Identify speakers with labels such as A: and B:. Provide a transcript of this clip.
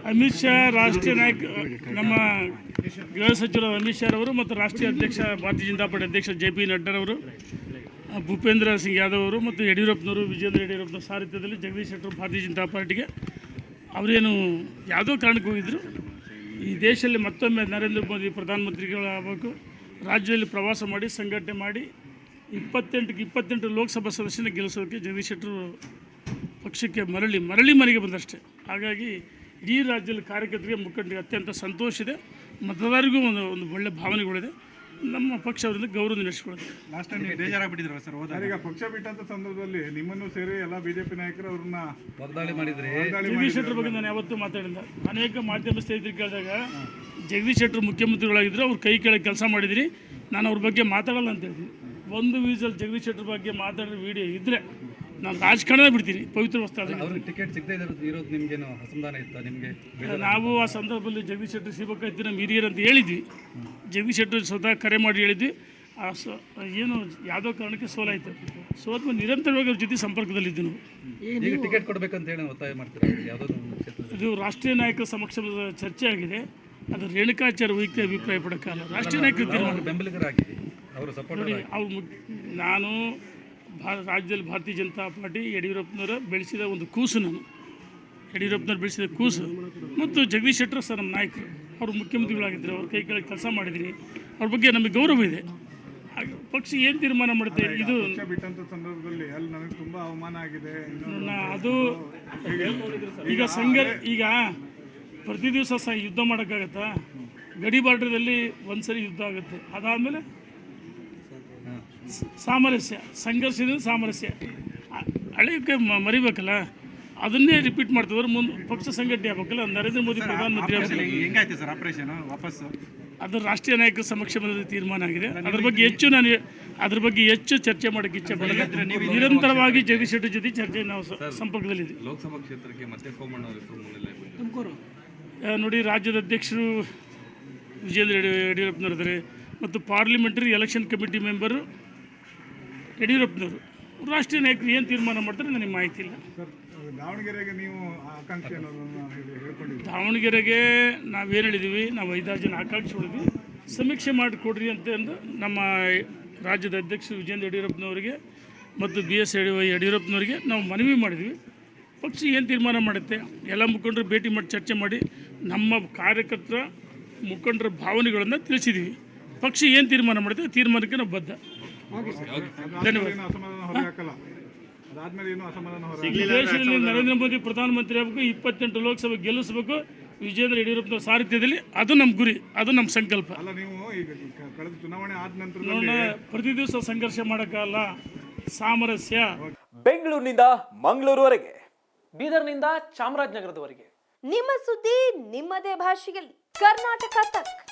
A: ಅಮಿತ್ ಶಾ ರಾಷ್ಟ್ರೀಯ ನಾಯಕ ನಮ್ಮ ಗೃಹ ಸಚಿವರು ಅಮಿತ್ ಶಾ ಅವರು ಮತ್ತು ರಾಷ್ಟ್ರೀಯ ಅಧ್ಯಕ್ಷ ಭಾರತೀಯ ಜನತಾ ಪಾರ್ಟಿ ಅಧ್ಯಕ್ಷ JP ನಡ್ಡಾರವರು, ಭೂಪೇಂದ್ರ ಸಿಂಗ್ ಯಾದವ್ ಅವರು ಮತ್ತು ಯಡಿಯೂರಪ್ಪನವರು, ವಿಜೇಂದ್ರ ಯಡಿಯೂರಪ್ಪನ ಸಾರಥ್ಯದಲ್ಲಿ ಜಗದೀಶ್ ಶೆಟ್ಟರು ಭಾರತೀಯ ಜನತಾ ಪಾರ್ಟಿಗೆ ಅವರೇನು ಯಾವುದೋ ಕಾರಣಕ್ಕೆ ಹೋಗಿದ್ದರು. ಈ ದೇಶದಲ್ಲಿ ಮತ್ತೊಮ್ಮೆ ನರೇಂದ್ರ ಮೋದಿ ಪ್ರಧಾನಮಂತ್ರಿಗಳಾಗಬೇಕು, ರಾಜ್ಯದಲ್ಲಿ ಪ್ರವಾಸ ಮಾಡಿ ಸಂಘಟನೆ ಮಾಡಿ 28 ಲೋಕಸಭಾ ಸದಸ್ಯನ ಗೆಲ್ಲಿಸೋದಕ್ಕೆ ಜಗದೀಶ್ ಶೆಟ್ಟರು ಪಕ್ಷಕ್ಕೆ ಮರಳಿ ಮನೆಗೆ ಬಂದಷ್ಟೇ. ಹಾಗಾಗಿ ಇಡೀ ರಾಜ್ಯದಲ್ಲಿ ಕಾರ್ಯಕರ್ತರಿಗೆ ಮುಖಂಡರಿಗೆ ಅತ್ಯಂತ ಸಂತೋಷ ಇದೆ, ಮತದಾರರಿಗೂ ಒಂದು ಒಳ್ಳೆಯ ಭಾವನೆಗಳಿದೆ. ನಮ್ಮ ಪಕ್ಷ ಅವರಿಂದ ಗೌರವ ನಡೆಸಿಕೊಳ್ಳುತ್ತೆ.
B: ಲಾಸ್ಟ್ ಟೈಮ್ ನೀವು ಬೇಜಾರಾಗ್ಬಿಟ್ಟಿದ್ರು ಸರ್ ಹೋದಾಗ? ಈಗ ಪಕ್ಷ ಬಿಟ್ಟಂತ ಸಂದರ್ಭದಲ್ಲಿ ನಿಮ್ಮನ್ನು ಸೇರಿ ಎಲ್ಲ ಬಿಜೆಪಿ ನಾಯಕರು ಅವ್ರನ್ನ ವಾಗ್ದಾಳಿ ಮಾಡಿದ್ರೆ
A: ಜಗದೀಶ್ ಶೆಟ್ಟರ್ ಬಗ್ಗೆ ನಾನು ಯಾವತ್ತೂ ಮಾತಾಡಿಲ್ಲ. ಅನೇಕ ಮಾಧ್ಯಮ ಸ್ನೇಹಿತರಿಗೆ ಕೇಳಿದಾಗ ಜಗದೀಶ್ ಶೆಟ್ಟರ್ ಮುಖ್ಯಮಂತ್ರಿಗಳಾಗಿದ್ದರು, ಅವ್ರು ಕೈ ಕೆಳಗೆ ಕೆಲಸ ಮಾಡಿದಿರಿ, ನಾನು ಅವ್ರ ಬಗ್ಗೆ ಮಾತಾಡಲ್ಲ ಅಂತ ಹೇಳ್ತೀನಿ. ಒಂದು ವೀಸಲ್ಲಿ ಜಗದೀಶ್ ಶೆಟ್ಟರ್ ಬಗ್ಗೆ ಮಾತಾಡೋ ವಿಡಿಯೋ ಇದ್ದರೆ ನಾನು ರಾಜಕಾರಣ ಬಿಡ್ತೀನಿ. ಪವಿತ್ರ ವಸ್ತು
B: ಟಿಕೆಟ್ ಸಿಗದೇ ಇರೋದು ನಿಮಗೇನು ಅಸಮಾಧಾನ ಇತ್ತು? ನಿಮಗೆ
A: ನಾವು ಆ ಸಂದರ್ಭದಲ್ಲಿ ಜಗದೀಶ್ ಶೆಟ್ಟರ್ ಸಿಗಬೇಕಾಯ್ತು ನಮ್ಮ ಹಿರಿಯರು ಅಂತ ಹೇಳಿದ್ವಿ. ಜಗದೀಶ್ ಶೆಟ್ಟರ್ ಸ್ವತಃ ಕರೆ ಮಾಡಿ ಹೇಳಿದ್ವಿ. ಏನು ಯಾವುದೋ ಕಾರಣಕ್ಕೆ ಸೋಲಾಯಿತು. ಸೋತ್ಮೇಲೆ ನಿರಂತರವಾಗಿ ಅವ್ರ ಜೊತೆ ಸಂಪರ್ಕದಲ್ಲಿದ್ದು ನಾವು.
B: ಈಗ ಟಿಕೆಟ್ ಕೊಡಬೇಕಂತ ಹೇಳಿ ಒತ್ತಾಯ ಮಾಡ್ತೀರಾ? ಯಾವುದೋ
A: ಇದು ರಾಷ್ಟ್ರೀಯ ನಾಯಕರ ಸಮಕ್ಷಮದ ಚರ್ಚೆ ಆಗಿದೆ. ಅದು ರೇಣುಕಾಚಾರ್ಯ ವೈಯಕ್ತಿಕ ಅಭಿಪ್ರಾಯ ಪಡೋಕ್ಕಲ್ಲ, ರಾಷ್ಟ್ರೀಯ ನಾಯಕರು ತೀರ್ಮಾನ.
B: ಬೆಂಬಲಿಗರಾಗಿ ಅವರು ಸಪೋರ್ಟ್
A: ನೋಡಿ, ನಾನು ರಾಜ್ಯದಲ್ಲಿ ಭಾರತೀಯ ಜನತಾ ಪಾರ್ಟಿ ಯಡಿಯೂರಪ್ಪನವರ ಬೆಳೆಸಿದ ಒಂದು ಕೂಸು. ನಾನು ಯಡಿಯೂರಪ್ಪನವ್ರು ಬೆಳೆಸಿದ ಕೂಸು ಮತ್ತು ಜಗದೀಶ್ ಶೆಟ್ಟರ್ ಸರ್ ನಮ್ಮ ನಾಯಕರು, ಅವರು ಮುಖ್ಯಮಂತ್ರಿಗಳಾಗಿದ್ದರು, ಅವ್ರ ಕೈ ಕೆಳಗೆ ಕೆಲಸ ಮಾಡಿದ್ದೀನಿ, ಅವ್ರ ಬಗ್ಗೆ ನಮಗೆ ಗೌರವ ಇದೆ. ಪಕ್ಷ ಏನು ತೀರ್ಮಾನ ಮಾಡುತ್ತೆ ಇದು
B: ಬಿಟ್ಟಂತ ಸಂದರ್ಭದಲ್ಲಿ ಅಲ್ಲಿ ನನಗೆ ತುಂಬ ಅವಮಾನ ಆಗಿದೆ.
A: ಅದು ಈಗ ಪ್ರತಿ ದಿವಸ ಯುದ್ಧ ಮಾಡೋಕ್ಕಾಗತ್ತಾ? ಗಡಿ ಬಾರ್ಡ್ರದಲ್ಲಿ ಒಂದ್ಸರಿ ಯುದ್ಧ ಆಗುತ್ತೆ, ಅದಾದಮೇಲೆ ಸಾಮರಸ್ಯ, ಸಂಘರ್ಷದಿಂದ ಸಾಮರಸ್ಯ. ಹಳೆಯಕ್ಕೆ ಮರಿಬೇಕಲ್ಲ, ಅದನ್ನೇ ರಿಪೀಟ್ ಮಾಡ್ತಿದ್ರು. ಮುಂದೆ ಪಕ್ಷ ಸಂಘಟನೆ ಆಗಬೇಕಲ್ಲ. ನರೇಂದ್ರ ಮೋದಿ ಪ್ರಧಾನಮಂತ್ರಿ
B: ಹೆಂಗಾಯ್ತು ಸರ್ ಆಪರೇಷನ್ ವಾಪಸ್ಸು?
A: ಅದು ರಾಷ್ಟ್ರೀಯ ನಾಯಕರ ಸಮಕ್ಷಮದಲ್ಲಿ ತೀರ್ಮಾನ ಆಗಿದೆ. ಅದ್ರ ಬಗ್ಗೆ ಹೆಚ್ಚು ಚರ್ಚೆ ಮಾಡೋಕ್ಕೆ ಇಚ್ಛೆ ಪಡಲ್ಲ. ನಿರಂತರವಾಗಿ ಜಗದೀಶ್ ಶೆಟ್ಟರ್ ಜೊತೆ ಚರ್ಚೆ ನಾವು ಸಂಪರ್ಕದಲ್ಲಿದ್ದೀವಿ.
B: ಲೋಕಸಭಾ ಕ್ಷೇತ್ರಕ್ಕೆ ಮತ್ತೆ
A: ತುಮಕೂರು ನೋಡಿ, ರಾಜ್ಯದ ಅಧ್ಯಕ್ಷರು ವಿಜೇಂದ್ರ ಯಡಿಯೂರಪ್ಪನವರಿದ್ದಾರೆ ಮತ್ತು ಪಾರ್ಲಿಮೆಂಟರಿ ಎಲೆಕ್ಷನ್ ಕಮಿಟಿ ಮೆಂಬರು ಯಡಿಯೂರಪ್ಪನವರು. ರಾಷ್ಟ್ರೀಯ ನಾಯಕರು ಏನು ತೀರ್ಮಾನ ಮಾಡ್ತಾರೆ ನನಗೆ ಮಾಹಿತಿ ಇಲ್ಲ.
B: ದಾವಣಗೆರೆಗೆ ನೀವು ಆಕಾಂಕ್ಷೆ
A: ದಾವಣಗೆರೆಗೆ ನಾವೇನು ಹೇಳಿದ್ದೀವಿ, ನಾವು 5-6 ಜನ ಆಕಾಂಕ್ಷಿಗಳಿದ್ವಿ. ಸಮೀಕ್ಷೆ ಮಾಡಿಕೊಡ್ರಿ ಅಂತಂದು ನಮ್ಮ ರಾಜ್ಯದ ಅಧ್ಯಕ್ಷರು ವಿಜೇಂದ್ರ ಯಡಿಯೂರಪ್ಪನವರಿಗೆ ಮತ್ತು BS ಯಡಿಯೂರಪ್ಪನವರಿಗೆ ನಾವು ಮನವಿ ಮಾಡಿದ್ವಿ. ಪಕ್ಷ ಏನು ತೀರ್ಮಾನ ಮಾಡುತ್ತೆ ಎಲ್ಲ ಮುಖಂಡರು ಭೇಟಿ ಮಾಡಿ ಚರ್ಚೆ ಮಾಡಿ ನಮ್ಮ ಕಾರ್ಯಕರ್ತರ ಮುಖಂಡರ ಭಾವನೆಗಳನ್ನು ತಿಳಿಸಿದ್ದೀವಿ. ಪಕ್ಷ ಏನು ತೀರ್ಮಾನ ಮಾಡುತ್ತೆ ತೀರ್ಮಾನಕ್ಕೆ ನಾವು ಬದ್ಧ. ಧನ್ಯವಾದ. ದೇಶದಲ್ಲಿ ನರೇಂದ್ರ ಮೋದಿ ಪ್ರಧಾನಮಂತ್ರಿ ಆಗಬೇಕು, 28 ಲೋಕಸಭೆ ಗೆಲ್ಲಿಸಬೇಕು ವಿಜೇಂದ್ರ ಯಡಿಯೂರಪ್ಪನ ಸಾರಥ್ಯದಲ್ಲಿ. ಅದು ನಮ್ಮ ಗುರಿ, ಅದು ನಮ್ಮ ಸಂಕಲ್ಪ. ನೋಡೋಣ, ಪ್ರತಿ ದಿವಸ ಸಂಘರ್ಷ ಮಾಡೋಕ್ಕಲ್ಲ, ಸಾಮರಸ್ಯ.
C: ಬೆಂಗಳೂರಿನಿಂದ ಮಂಗಳೂರುವರೆಗೆ, ಬೀದರ್ನಿಂದ ಚಾಮರಾಜನಗರದವರೆಗೆ
D: ನಿಮ್ಮ ಸುದ್ದಿ ನಿಮ್ಮದೇ ಭಾಷೆಯಲ್ಲಿ. ಕರ್ನಾಟಕ ತಕ್.